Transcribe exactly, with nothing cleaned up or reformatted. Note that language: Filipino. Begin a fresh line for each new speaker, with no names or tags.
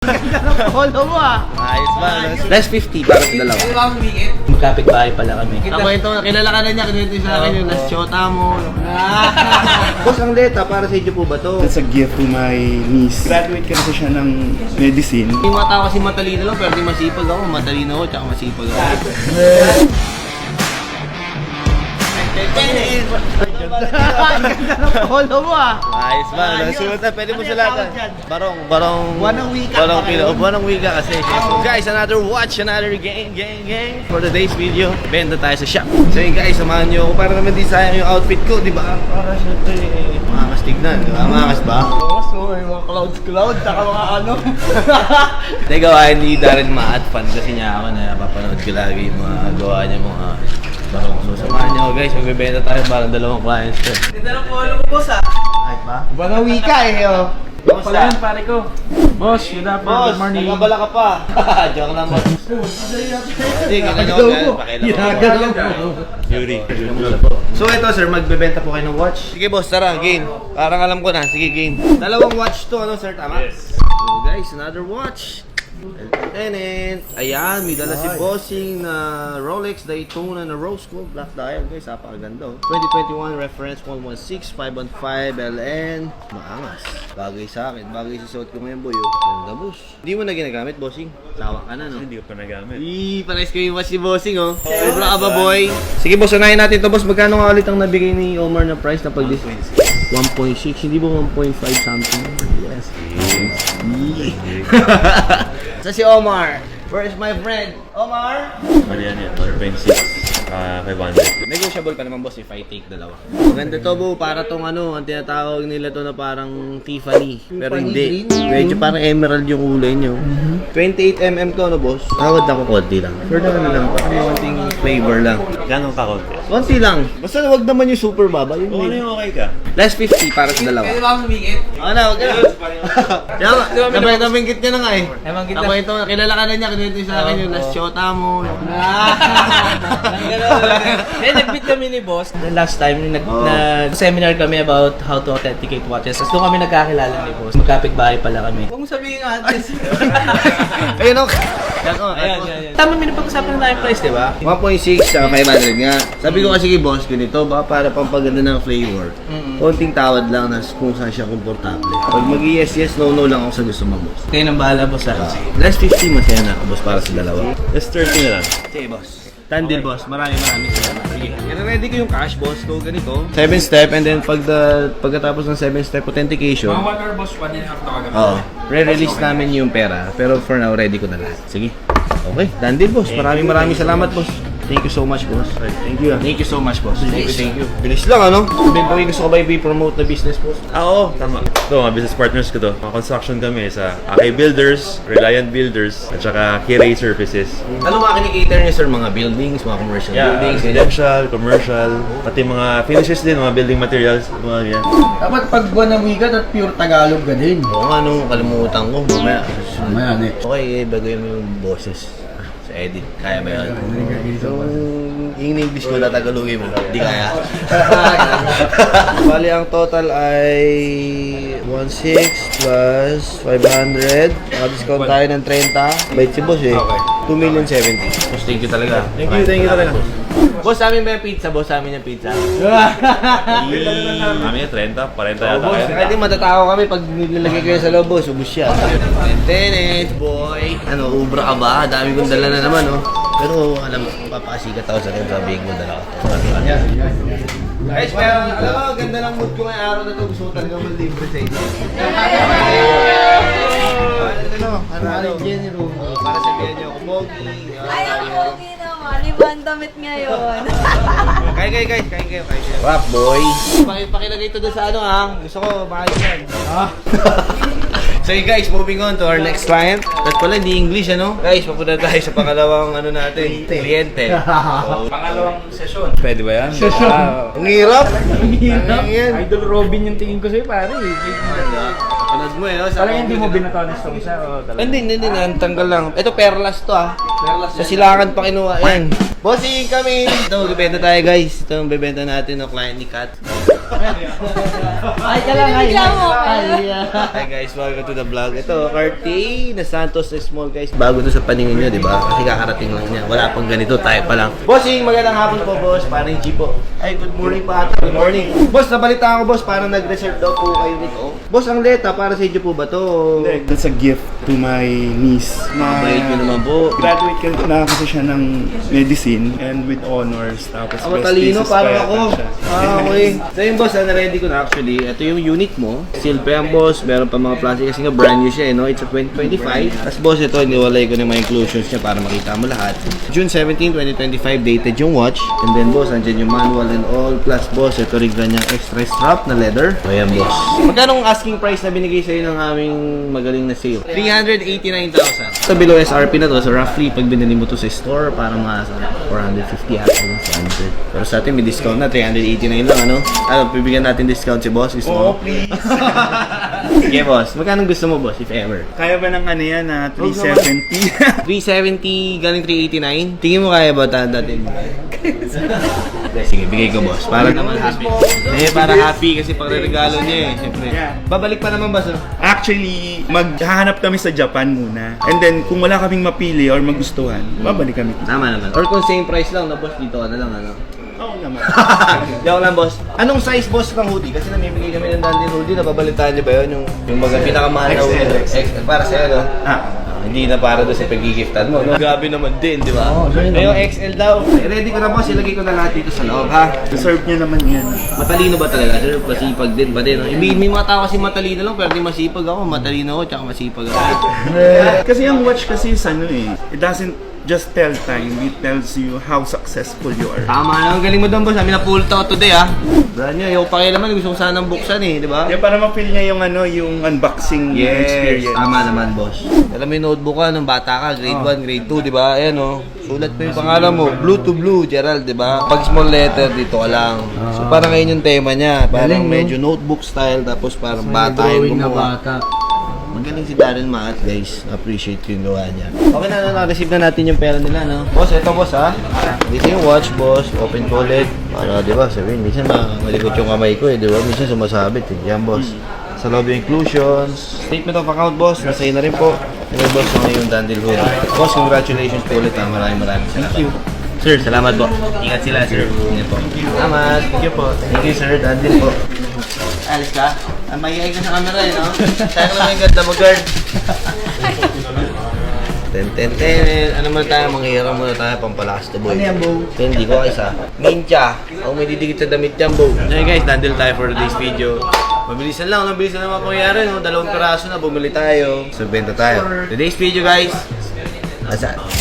Ganda ng polo mo ah.
Ayos ba? Less fifty para sa dalawa.
Ano ba ang bigit?
Magkapit bahay pala kami.
Ako ito, kilala ka na niya, kinuwento sa akin yung last shota mo. Boss, ang leta, para sa inyo po ba to?
That's a gift to my niece. Graduate kasi siya ng medicine.
Yung mga tao kasi matalino lang, pero di masipag ako. Matalino ako, tsaka masipag ako.
Ganda ng polo mo ah.
Ayos ba? Nasulat na, pwede mo sulatan. Barong, barong...
Buwanang wika
Barong
pa
pila.
kayo.
O, buwanang wika kasi. So guys, another watch, another gang, gang, gang. For today's video, benta tayo sa shop. So yun guys, samahan nyo ako. Para naman di sayang yung outfit ko, di ba? Para syempre, maangas tignan. Di ba? Maangas ba?
Oo, so may mga clouds clouds, saka mga ano.
Teka, hindi na rin ma-add fan kasi niya ako na napapanood ko lagi yung mga gawa niya mga barong. So samahan niyo ako guys, magbibenta tayo para dalawang clients ko.
Ganda ng polo mo boss ah.
Ay ba?
Buwanang wika eh oh.
Pala yun, pare ko. Boss, good afternoon,
Boss,
good morning.
nagkabala ka pa. Joke lang boss. Hindi, ginagawa ko yan. Pakailan ko. Yuri. So ito sir, magbebenta po kayo ng watch. Sige boss, tara, game. Parang alam ko na, sige game. Dalawang watch to, ano sir, tama? Yes. So guys, another watch. Tenant. Ayan, may dala si Bossing na Rolex Daytona na rose gold black dial guys, napakaganda oh. twenty twenty-one reference one one six five one five L N. Maangas. Bagay sa akin, bagay sa suot ko ngayon boy oh. Ganda boss. Hindi mo na ginagamit Bossing? Sawa ka na no?
Hindi ko pa nagamit.
Ii, pares ko yung watch si Bossing oh. Sobra ka ba boy? Sige boss, unahin natin to boss. Magkano nga ulit ang nabigay ni Omar na price na pag one point six, hindi ba one point five something? Yes. Sa si Omar. Where is my friend? Omar?
Mali yan yan, one point six, uh, five hundred.
Negotiable pa naman boss if I take dalawa. Maganda to bo, para tong ano, ang tinatawag nila to na parang Tiffany. Pero hindi. Medyo parang emerald yung kulay nyo. twenty-eight millimeter to no boss? Tawad ako konti lang. For na ano lang, parang konting flavor lang.
Gano'ng kakonti?
Konti lang. Basta wag naman yung super baba. Yung
Kung ano yung okay ka?
less fifty para sa dalawa.
Pwede ba ang bigit?
Ano, wag ka na. Kaya nga, nabay naminggit niya na nga eh.
Ewan kita.
Ako ito, kilala ka na niya, kinuwento sa akin yung last shota mo.
Eh, nag-meet kami ni boss. The last time, nag,
Oh.
nag-seminar kami about how to authenticate watches. Tapos doon kami nagkakilala ni boss. Magkapit bahay pala kami.
Huwag mo sabihin nga address.
Ayun o. Yan o.
Ayan, ayan, ayan. Tama, may napag-usapan na tayong price, di ba?
one point six sa five hundred nga. Sabi ko kasi kay boss, ganito ba para pampaganda ng flavor. Konting tawad lang na kung saan siya komportable. Pag mag-yes, yes, no, no lang ako sa gusto mo, boss.
Kayo nang bahala, boss. Ha?
Less fifty, masaya na ako, boss, para sa dalawa.
Just thirty na lang.
Sige, boss. Tandil, boss. Maraming maraming salamat. Sige. I-ready ko yung cash, boss. So, ganito. seven step, and then pag the, pagkatapos ng seven step authentication,
Mga one hour boss, one and a half to agad.
Oo. Re-release namin yung pera. Pero for now, ready ko na lahat. Sige. Okay. Done deal, boss. Maraming maraming salamat, boss. Thank you so much, boss. Thank you. Thank you so much, boss. Thank you, thank you. Bilis lang, ano? Sabihin ko, gusto ko ba i-promote na business, boss?
Ah, oo, tama. Ito, mga business partners ko to. Mga construction kami sa Akay Builders, Reliant Builders, at saka Kiray Services.
Ano mga kinikater niyo, sir? Mga buildings, mga commercial
Yeah,
buildings, ganyan?
residential, commercial, pati mga finishes din, mga building materials, mga yan.
Dapat pag buwanang wika at pure Tagalog ka din.
Oo nga, nung kalimutan ko. Mamaya.
Mamaya, ne.
Okay, eh, baguhin mo yung boses. Sa edit. Kaya ba yun? So, yung English ko na Tagalogin mo. Hindi kaya. Bali, ang total ay one point six plus five hundred. Naka-discount tayo ng thirty. Bait si boss eh. two million seventy. Boss, thank you talaga.
Thank you, thank you talaga.
Boss, sa amin ba yung pizza? Boss, sa amin yung pizza.
Kami yung thirty, forty yata
Boss,
kayo.
kahit matatawa kami pag nilalagay ko yan sa loob, boss, ubus siya. Tenet, boy. Ano, ubra ka ba? Dami kong dala na naman, oh. Pero alam mo, papasikat ako sa akin, sabihin mo dala ko. Guys, pero alam mo, ganda ng mood ko ngayong araw na to. Gusto ko talaga malibre sa inyo. Ano, ano, ano, ano, para sabihan niyo ako, Bogi.
Ay, ang pogi naman. Iba ang damit ngayon.
Kaya kayo guys, kaya kayo, kaya kayo. Rap boy. Paki pakilagay ito doon sa ano ha. Gusto ko, bakit yan. Ha? So yun guys, moving on to our next client. At pala, hindi English ano. Guys, papunta tayo sa pangalawang ano natin, kliyente. So,
Pangalawang sesyon.
Pwede ba yan?
Session.
ang hirap. Ang hirap.
Idol Robin yung tingin ko sa'yo, pare.
Panood mo eh. no? Sa
Talagang hindi mo binataw ng stone siya, o talaga?
Hindi, hindi, hindi. Ang tanggal lang. Ito, perlas to ah. Perlas. Sa silangan pa kinuha. Yan. Bossing kami. Ito, magbibenta tayo guys. Ito ang bibenta natin ng client ni Kat.
Ay, ka lang, ay.
Binibigyan mo ako.
Ay, ah.
Hi guys, welcome to the vlog. Ito, Cartier na Santos na small guys. Bago to sa paningin nyo, di ba? Kasi kakarating lang niya. Wala pang ganito, tayo pa lang. Bossing, magandang hapon po, boss. Parang G po. Ay, good morning pa ata. Good morning. Boss, nabalita ako, boss. Parang nag-reserve daw po kayo nito. Boss, ang leta, para sa inyo po ba to?
Hindi, that's a gift to my niece. Na
Mabait nyo naman po.
graduate ka na kasi siya ng medicine and with honors. Tapos
Ah,
best
matalino,
thesis
parang
pa
ako.
yata siya.
Ah, okay. So yun, boss, na ready ko na actually. Ito yung unit mo. Seal pa yan, boss. Meron pa mga plastic kasi nga brand new siya, eh, no? It's a twenty twenty-five. Tapos, boss, ito, iniwalay ko na yung mga inclusions niya para makita mo lahat. June seventeenth, twenty twenty-five, dated yung watch. And then, boss, andyan yung manual and all. Plus, boss, ito rin ganyang extra strap na leather. Ayan, boss. Magkano ang asking price na binigay sa'yo ng aming magaling na sale? three hundred eighty-nine thousand. Ito, below S R P na to. So, roughly, pag binili mo to sa store, parang mga four hundred fifty actually. four hundred. Pero sa atin, may discount na. three hundred eighty-nine lang, ano? Ano, bibigyan natin discount si boss. Gusto mo?
Oo, please.
Sige, boss. Magkano gusto mo, boss, if ever?
Kaya ba ng ano yan na three seventy?
three seventy, galing three eighty-nine. Tingin mo kaya ba ta- natin? Hindi, sige, bigay ko, boss. Para naman happy. Eh, para happy kasi pagre-regalo niya eh. Siyempre.
Yeah.
Babalik pa naman, boss. oh.
Actually, maghahanap kami sa Japan muna. And then, kung wala kaming mapili or magustuhan, babalik kami.
Tama naman. Or kung same price lang, na boss, dito ka na lang, ano?
Oo naman.
Joke lang, boss. Anong size, boss, ng hoodie? Kasi namimigay kami ng Dandy hoodie. Nababalitaan niyo ba yun? Yung, yung mga pinakamahal na hoodie. X L. Para sa'yo, no?
Ah.
Hindi na para doon sa pag-giftan mo, no? Grabe naman din, di ba? Oo, oh, yung X L daw. Eh, ready ko na, boss. Ilagay ko na lahat dito sa loob, ha?
Deserve niya naman yan.
Matalino ba talaga, sir? Masipag din ba din? no? May, may mga tao kasi matalino lang, pero di masipag ako. Matalino ako, tsaka masipag ako.
Kasi ang watch kasi is ano eh, it doesn't just tell time, it tells you how successful you are.
Tama na, ang galing mo doon, boss. Kami na-pull to today, ha? Brand nyo, ayaw pa kayo naman. Gusto ko sanang buksan, eh, di ba?
Yeah, para ma-feel niya yung ano, yung unboxing
Yes,
experience.
tama naman, boss. Alam mo yung notebook ka nung bata ka, grade one, grade two, di ba? Ayan, oh. Sulat mo yung pangalan mo, blue to blue, Gerald, di ba? Pag small letter, dito ka lang. So, parang ngayon yung tema niya. Parang medyo notebook style, tapos parang bata yung
na
gumawa.
bata.
Magaling si Darren Maat, guys. Appreciate ko yung gawa niya. Okay na, na, na-receive na natin yung pera nila, no? Boss, eto, boss, ha? Dito yung watch, boss. Open ko ulit. Para, di ba, sabihin, minsan ma malikot yung kamay ko, eh, di ba? Minsan sumasabit, eh. Yan, boss. Sa loob yung inclusions. Statement of account, boss. Nasa na rin po. Ano, boss, mga yung Dandil Hood. Boss, congratulations po ulit, ha? Maraming maraming salamat. Thank you. Sir, salamat po. Ingat sila, sir. Ingat po. Salamat. Thank you po. Thank you, sir. Dandil po. Alis ka? Ah, mahihay ka sa camera eh, no? Tayo ka naman yung ganda mo, girl. Ten, ten, ten. Ano man tayo, manghiram muna tayo, pampalakas to, boy. Ano yan, Bo? Hindi ko isa. Mincha. Ako may didikit sa damit yan, Bo. Okay, guys, dandil tayo for today's video. Mabilisan lang, mabilisan lang mga pangyayari, no? Dalawang peraso na, bumili tayo. So, benta tayo. Today's video, guys. Asa?